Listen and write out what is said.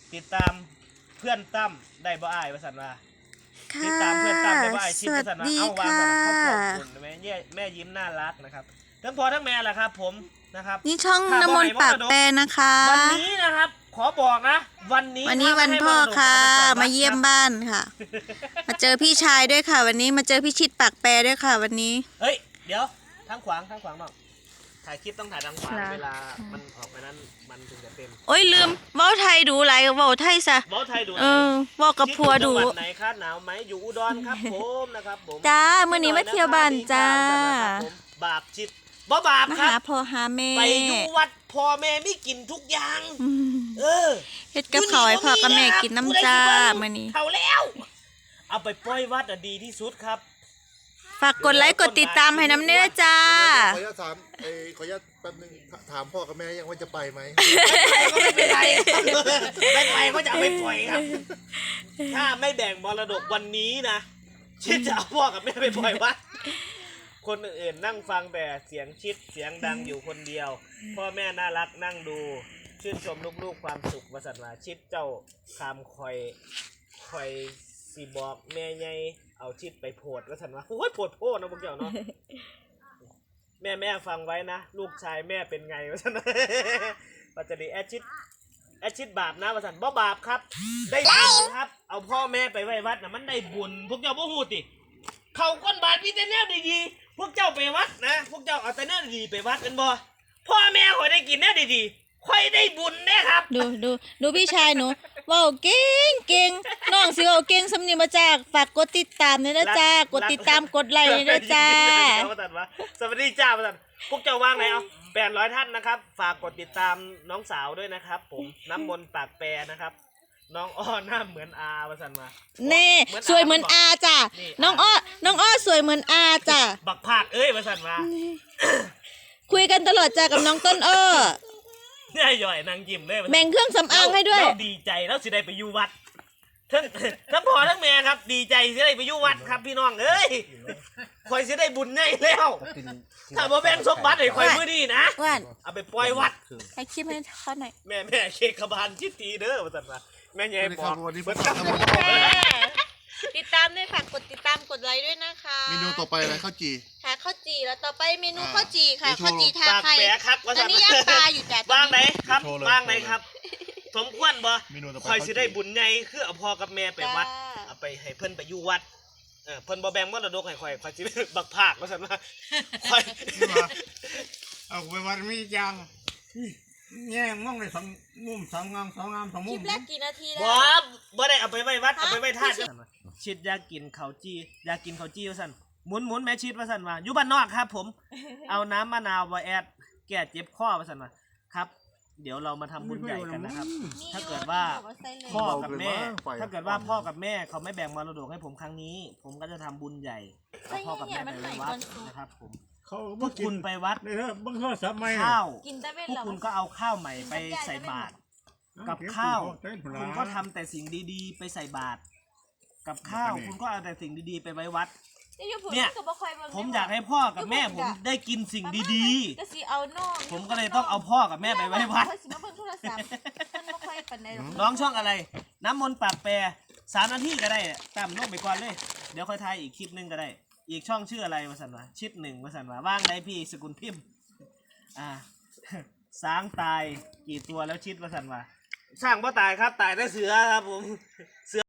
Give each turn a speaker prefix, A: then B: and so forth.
A: ติดตามเพื่อนตั้มได้บ่อ้ายว่าซั่นว่าติด
B: ค่ะ
A: ตามเพื่อนตั้มได้บ่อ้ายชิด
B: สวั
A: ว่า
B: ส
A: ซั่นว่า
B: ดี
A: เอาวาง
B: ค่ะ
A: ซั่นครอบครัวคุณแม่ยิ้มน่ารักนะครับทั้งพ่อทั้งแม่แหละครับผมนะครับ
B: นี่ช่องน้ำมนต์ปากแปรนะคะ
A: วันนี้นะครับขอบอกนะวันนี้
B: วันพ่อค่ะมาเยี่ยมบ้านค่ะ มาเจอพี่ชายด้วยค่ะ วันนี้มาเจอพี่ชิดปากแปรด้วยค่ะ วันนี้
A: เฮ้ยเดี๋ยวทางขวางเนาะถ่ายคลิปต้องถ่ายทางขวาง
B: ครับ
A: เวลามันออกไปนั้นมันถึงจะเต็ม
B: โอ้ยลืมเว้าไทยดูไรเว้าไทยซะ
A: เว้าไทยดู
B: เว้ากับพัวดู
A: จังหวัดไหนครับหนาวไหมอยู่อุดรครับผมนะครับผม
B: จ้ามื้อนี้มาเที่ยวบ้านจ้า
A: บาปชิดบ่บาป
B: มา
A: ครั
B: หา
A: บ
B: พ่อหาแม่
A: ไปอยู่วัดพ่อแม่ไม่กินทุกอย่าง
B: อืม
A: เออ
B: เฮ็ดกับข้าวให้พ่อกับแม่กินน้ำจ้ามื้อนี้
A: เท่าแล้ว เอาไปปล่อยวัดดีที่สุดครับ
B: ฝากกดไลค์กดติดตามให้น้ำเนื้อจ้า
C: ขออนุญาตถามขออนุญาตแป๊บนึงถามพ่อกับแม่ยังว่าจะไปไหม
A: ก็ไม่เป็นไรไม่ไปก็จะเอาไปปล่อยครับ ถ้าไม่แบ่งมรดกวันนี้นะชิดจะเอาพ่อกับแม่ไปปล่อยวัดคนอื่นๆนั่งฟังแต่เสียงชิดเสียงดังอยู่คนเดียว พ่อแม่น่ารักนั่งดูชื่นชมลูกๆความสุขวสันต์ว่าชิดเจ้าคำคอยสีบอกแม่ใหญ่เอาชิดไปโพดวสันต์ว่าโอ้ยโพดโพดนะพวกเจ้าเนาะแม่ฟังไว้นะลูกชายแม่เป็นไงวสันต์ปัจจุบันแอดชิดบาปนะวสันต์บ่บาปครับ ได้บุญครับเอาพ่อแม่ไปไว้วัดนะมันได้บุญพวกเจ้าบ่ฮู้ติเขาก้นบาทมีแต่แนวดีๆพวกเจ้าไปวัดนะพวกเจ้าเอาแต่แนวดีๆไปวัดกันบ่พ่อแม่ข่อยได้กินแนวดีๆข่อยได้บุญแน่ครับ
B: ดูพี่ชายหนูเว้าเก่งน้องสิเว้าเก่งสำเนียงมาจากฝากกดติดตามด้วยนะจ้ากดติดตามกดไลค์ด้วยนะจ้า
A: สวัสดีจ้าประสันพวกเจ้าว่างไหนเอา800 ท่านนะครับฝากกดติดตามน้องสาวด้วยนะครับผมน้ำมนต์ปากแปรนะครับน้องอ้อหน้าเหมือนอาประสันมา
B: เน่สวยเหมือนอาจ้ะน้องอ้อสวยเหมือนอาจ้ะ
A: บักภาคประสันมา
B: คุยกันตลอดจ้ะกับน้องต้นอ้อ
A: เนี่ยย่อยนางยิ้มเลย
B: แบ่งเครื่องสำอางให้ด้วย
A: เราดีใจแล้วสิได้ไปอยู่วัดทั้งพ่อทั้งแม่ครับดีใจสิได้ไปอยู่วัดครับพี่น้องเอ้ยคอยสิได้บุญง่ายแล้วถ้าบ่แบ่งสมบัติให้คอยมื้อนี้นะ
B: ว่าน
A: เอาไปปล่อยวัด
B: ให้คลิปให้เขาหน่อย
A: แม่เค้กขบานชิดตีเด้อว่าซั่นว่าแม่ใหญ่บอก
C: วันนี้
A: เบิด
C: ผม
A: ครับ
C: ทำอะไร
B: ติดตามด้วยค่ะกดติดตามกดไลค์ด้วยนะคะ
C: เมนูต่อไปอะไรข้าวจี
B: ค่ะข้าวจีแล้วต่อไปเมนูข้าวจีค่ะ
C: เดี๋ยวโชว์
B: ข้าวจีทา
A: ปาก
B: ไข่
A: แปรครับว่า
B: ตอ
A: ซั่
B: น
A: น
B: นี้ย่างปลาอยู่จ้ะ
A: วางไหนครับ
C: โชว์เลย
A: วางไหนครับ สมควรบ่
C: เมนูต่อไป
A: คอยสิได้บุญใหญ่คือเอาพ่อกับแม่ไปวัด
B: จ้า
A: เอาไปให้เพิ่นไปอยู่วัดเพิ่นบ่แบ่งมรดกให้ข่อยสิบักภาคว่าซั่นว่าข่อย
D: เอาไปวัดมีจังแง่มองเลยสองมุมสองงามสองงามสอง
B: ค
D: มุ
B: ลิ
D: ม
B: ปแรกกี่นาทีแล้ว
A: บ่ได้เอาไปไว้วัดเอาไปไว้ท่าชิดอยากกินข้าวจี้อยากกินข้าวจี้ว่าซั่นหมุนแม่ชิดว่าซั่นว่าอยู่บ้านนอกครับ ผม เอาน้ำมะนาวมาแอดแก้เจ็บคอว่าซั่นว่าครับ เดี๋ยวเรามาทำบุญใหญ่กันนะครับ ถ้าเกิดว่าพ่อกับแม่ ถ้าเกิดว่าพ่อกับแม่เขาไม่แบ่งมรดกให้ผมครั้งนี้ ผมก็จะทำบุญใหญ่เอาพ่อกับแม่ไปวัดนะครับ ผม
D: เขา
A: พวกคุณไปวัด
D: เลยเถอะบังคับสับไม่
A: ข้าว
B: กินได้เป็น
A: พวก
B: เหรอ
A: คุณก็เอาข้าวใหม่ไปใส่บาตรกับข้าว คุณก็ทำ
D: ำ
A: แต่สิ่งดีๆ ไปใส่บาตรกับข้าวคุณก็เอาแต่สิ่งดีๆ ไปไว้วัด เนี่ย ผมอยากให้พ่อกับแม่ผมได้กินสิ่งดี
B: ก็สิเอาน้อง
A: ๆ ผมก็เลยต้องเอาพ่อกับแม่ไปไว้วัด
B: สิมาเบิ่งโทรศัพท์มันบ่ค่อยปานใดหรอก
A: น้องช่องอะไร น้ำมนต์ปากแปร3 นาทีก็ได้ตามลงไปก่อนเลย เดี๋ยวค่อยถ่ายอีกคลิปนึงก็ได้ อีกช่องชื่ออะไรวะสันวะชิด1วะสันวะว่างได้พี่สกุลพิมพ์สางตายกี่ตัวแล้วชิดวะสันวะสร้างบ่ตายครับตายได้เสือครับผม